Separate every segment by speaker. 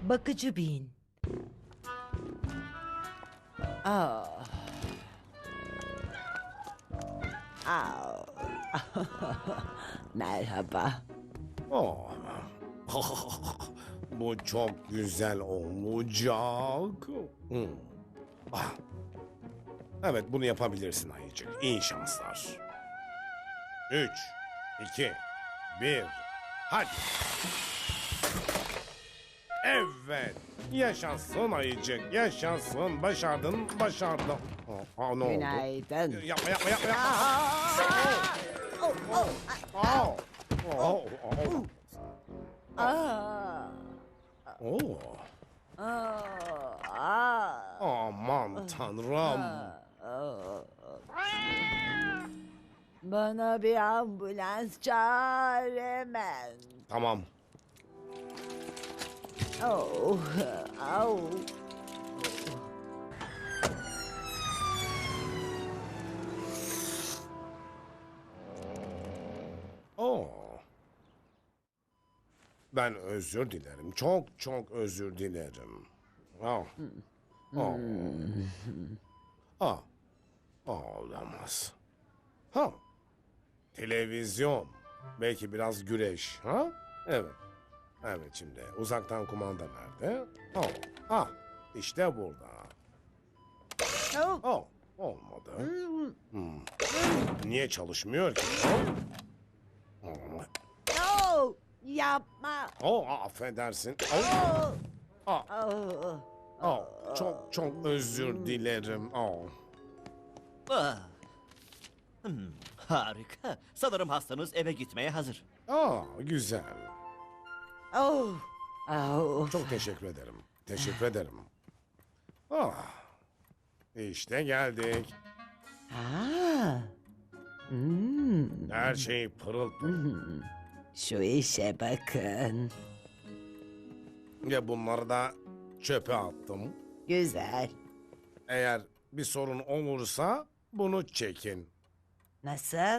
Speaker 1: Bakıcı Bin. Aa. Aa. Merhaba.
Speaker 2: Oh. Bu çok güzel olacak. Hmm. Ah. Evet, bunu yapabilirsin Ayıcık. İyi şanslar. 3, 2, 1. Hadi. Evet. Yaşasın Ayıcık. Yaşasın. Başardın. Başardın. Ne oldu?
Speaker 1: Günaydın.
Speaker 2: Yapma yapma yapma. yapma.
Speaker 1: Oh, oh,
Speaker 2: Oh. Oh. Oh.
Speaker 1: aa.
Speaker 2: Oh. Aman tanrım.
Speaker 1: Bana bir ambulans çağır hemen.
Speaker 2: Tamam.
Speaker 1: Oh, au.
Speaker 2: Oh. Ben özür dilerim. Çok çok özür dilerim. Oh. Oh. Ah. Olamaz. Ha. Televizyon. Belki biraz güreş. Ha? Evet. Evet şimdi. Uzaktan kumanda nerede? Oh. Ah. İşte burada.
Speaker 1: Oh.
Speaker 2: Oh. Olmadı. Niye çalışmıyor ki? Oh.
Speaker 1: No, yapma.
Speaker 2: Oh, affedersin. Oh.
Speaker 1: Oh.
Speaker 2: Ah.
Speaker 1: Oh.
Speaker 2: Oh. Çok çok özür dilerim. Oh.
Speaker 3: Ah. Harika. Sanırım hastanız eve gitmeye hazır.
Speaker 2: Güzel.
Speaker 1: Oh. Oh.
Speaker 2: Çok teşekkür ederim. Teşekkür ederim. Ah. İşte geldik.
Speaker 1: Ha.
Speaker 2: Her şey pırıl pırıl.
Speaker 1: Şu işe bakın.
Speaker 2: Ve bunları da çöpe attım.
Speaker 1: Güzel.
Speaker 2: Eğer bir sorun olursa bunu çekin.
Speaker 1: Nasıl?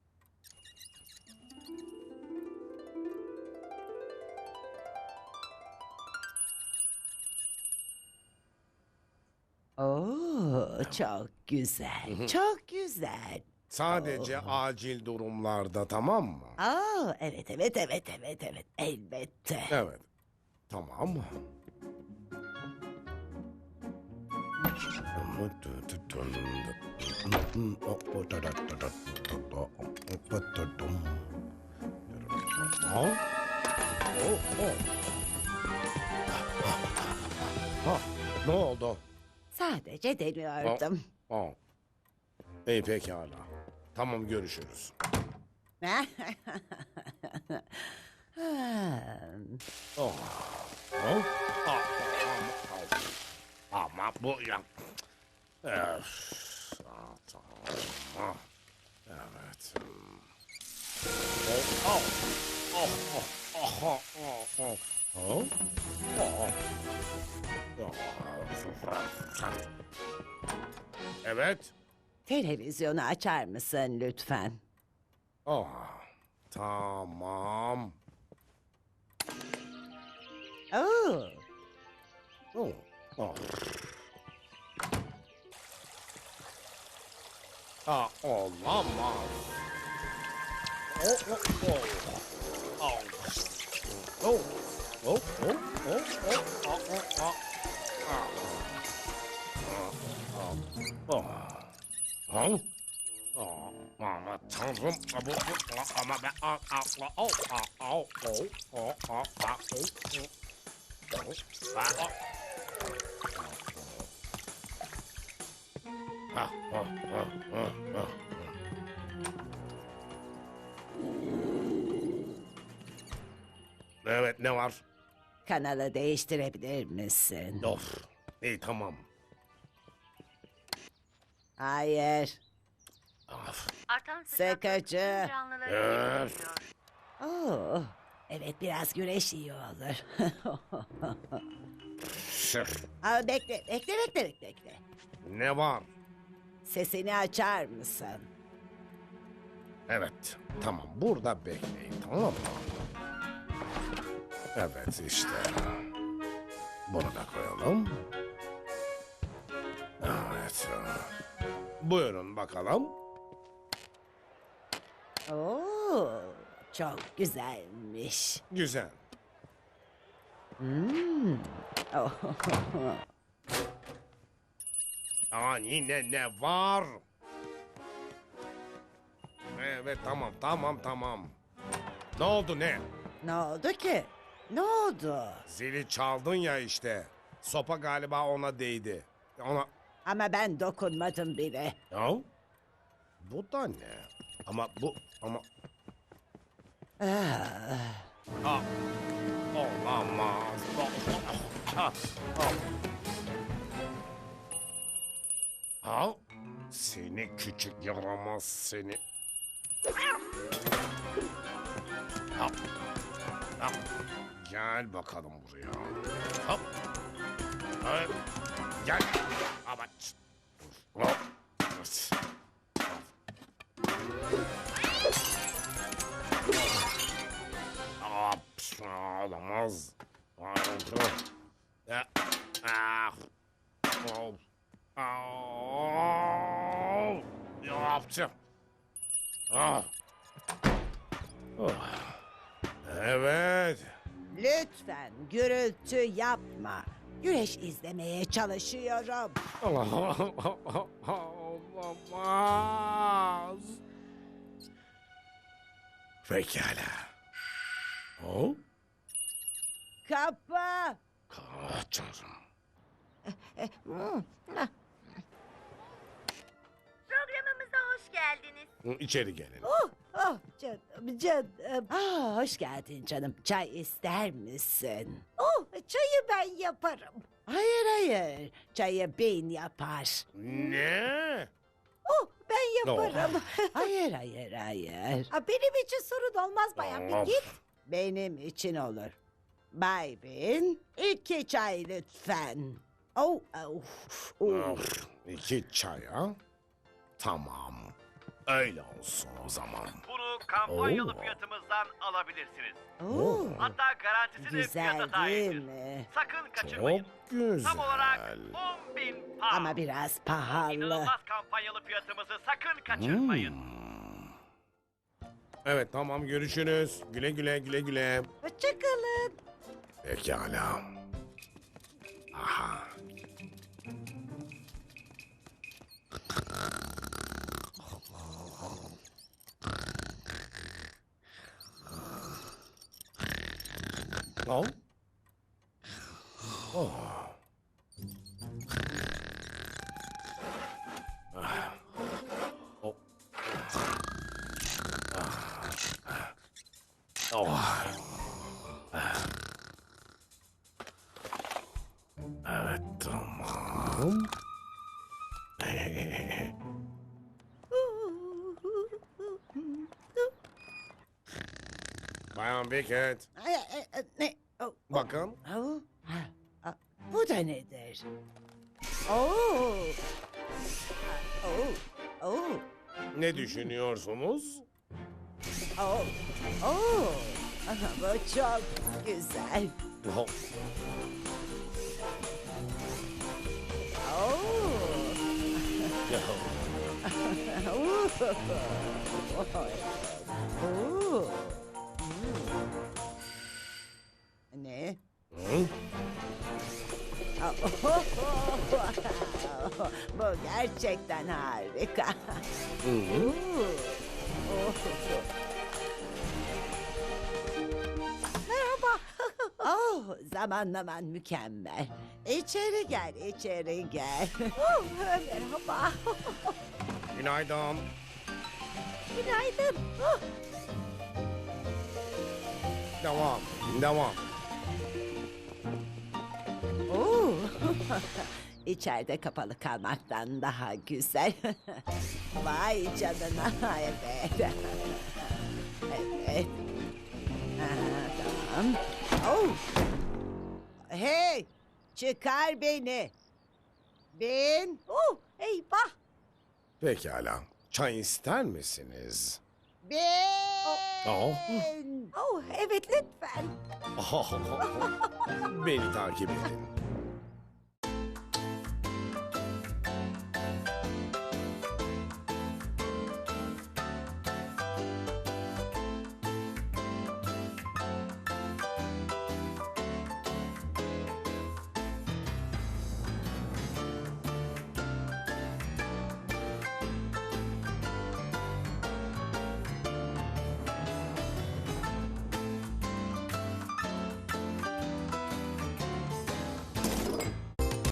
Speaker 1: Oo, çok güzel. Çok güzel.
Speaker 2: Sadece acil durumlarda, tamam mı?
Speaker 1: Aa, evet, evet, evet, evet, evet. Elbette.
Speaker 2: Evet. Tamam. Ha? Oh, oh. Ha, ne oldu?
Speaker 1: Sadece deniyordum.
Speaker 2: Oh. İyi pekala. Tamam, görüşürüz. Oh. Oh. Ah, ama bu ya. Öf. Tamam. Evet. Oh. Oh. Oh. Oh. Oh. Oh. Oh. Oh. Oh. Evet.
Speaker 1: Televizyonu açar mısın lütfen?
Speaker 2: Oh. Tamam.
Speaker 1: Oo,
Speaker 2: Oh. Oh. Olamaz. Oh, oh, oh. Oh. Oh. Oh, oh, oh, oh, oh, oh, oh. Ha? Oh, aman tanrım. Ama ben... Oh, oh, oh, oh, oh, oh, oh, oh. Evet, ne var?
Speaker 1: kanalı değiştirebilir misin?
Speaker 2: Of, iyi tamam.
Speaker 1: Hayır.
Speaker 2: Of.
Speaker 4: Artan
Speaker 1: Sıkıcı.
Speaker 4: sıcaklık canlıları
Speaker 2: Öf.
Speaker 4: etkiliyor.
Speaker 1: Oo, evet biraz güreş iyi olur.
Speaker 2: Sırf.
Speaker 1: Aa, bekle.
Speaker 2: Ne var?
Speaker 1: Sesini açar mısın?
Speaker 2: Evet, tamam. Burada bekleyin, tamam mı? Evet, işte. Bunu da koyalım. Evet. Buyurun bakalım.
Speaker 1: Oo, çok güzelmiş.
Speaker 2: Güzel.
Speaker 1: Oh,
Speaker 2: Yine ne var? Evet tamam. Ne oldu ne?
Speaker 1: ne oldu ki? Ne oldu?
Speaker 2: Zili çaldın ya işte. Sopa galiba ona değdi. Ona...
Speaker 1: Ama ben dokunmadım bile.
Speaker 2: Ya? Bu da ne? Ama... Ah, olamaz. Ha? Seni küçük yaramaz seni. Ha. Ha. Gel bakalım buraya. Hop. Ha. Gel. Ama. Hop. Olamaz. Ya. Ah. Oh. Oh. Yaptım. Ah. Oh. Evet.
Speaker 1: Lütfen gürültü yapma. Güreş izlemeye çalışıyorum.
Speaker 2: Olamaz. Pekala. Oh?
Speaker 1: Kapı.
Speaker 2: Tanrım.
Speaker 4: Programımıza hoş geldiniz.
Speaker 2: İçeri gelin.
Speaker 1: Oh canım. Hoş geldin canım. Çay ister misin? Oh, çayı ben yaparım. Hayır. Çayı bin yapar.
Speaker 2: Ne?
Speaker 1: Oh, ben yaparım. Hayır. Benim için sorun olmaz bayan. Bir
Speaker 2: Of.
Speaker 1: git. Benim için olur. Bay Bin, 2 çay lütfen. Oh.
Speaker 2: Of, 2 çay ha? Tamam. Öyle olsun o zaman.
Speaker 3: Bunu kampanyalı
Speaker 2: Oo.
Speaker 3: fiyatımızdan alabilirsiniz.
Speaker 1: Oh.
Speaker 3: Hatta garantisi de
Speaker 1: Güzel
Speaker 3: fiyata
Speaker 1: değil
Speaker 3: dahildir.
Speaker 1: mi?
Speaker 3: Sakın kaçırmayın.
Speaker 2: Çok güzel.
Speaker 3: Tam olarak 10.000 pound.
Speaker 1: Ama biraz pahalı.
Speaker 3: İnanılmaz kampanyalı fiyatımızı sakın kaçırmayın.
Speaker 2: Evet tamam görüşürüz. Güle güle.
Speaker 1: Hoşçakalın.
Speaker 2: Pekala. Aha. Oh. Oh. Ah. Oh. Oh. Evet tamam. Bayan Beckett.
Speaker 1: Ne? Oh.
Speaker 2: Bakın.
Speaker 1: Oh. Bu da nedir? Oh. Oh.
Speaker 2: Ne düşünüyorsunuz?
Speaker 1: Oh. Bu çok güzel.
Speaker 2: Oh.
Speaker 1: Oh. Oh. Ne?
Speaker 2: Hı?
Speaker 1: Bu gerçekten harika.
Speaker 2: Hı.
Speaker 1: Merhaba. Oh, zamanlaman mükemmel. İçeri gel. Oh, merhaba.
Speaker 2: Günaydın.
Speaker 1: Günaydın. Oh.
Speaker 2: Devam.
Speaker 1: Oo. İçeride kapalı kalmaktan daha güzel. Vay canına. Evet. Evet. Tamam. Oh. Hey, çıkar beni. Bin. Oh, eyvah.
Speaker 2: Pekala. Çay ister misiniz?
Speaker 1: Bin.
Speaker 2: Oh.
Speaker 1: Oh, evet lütfen.
Speaker 2: Beni takip edin.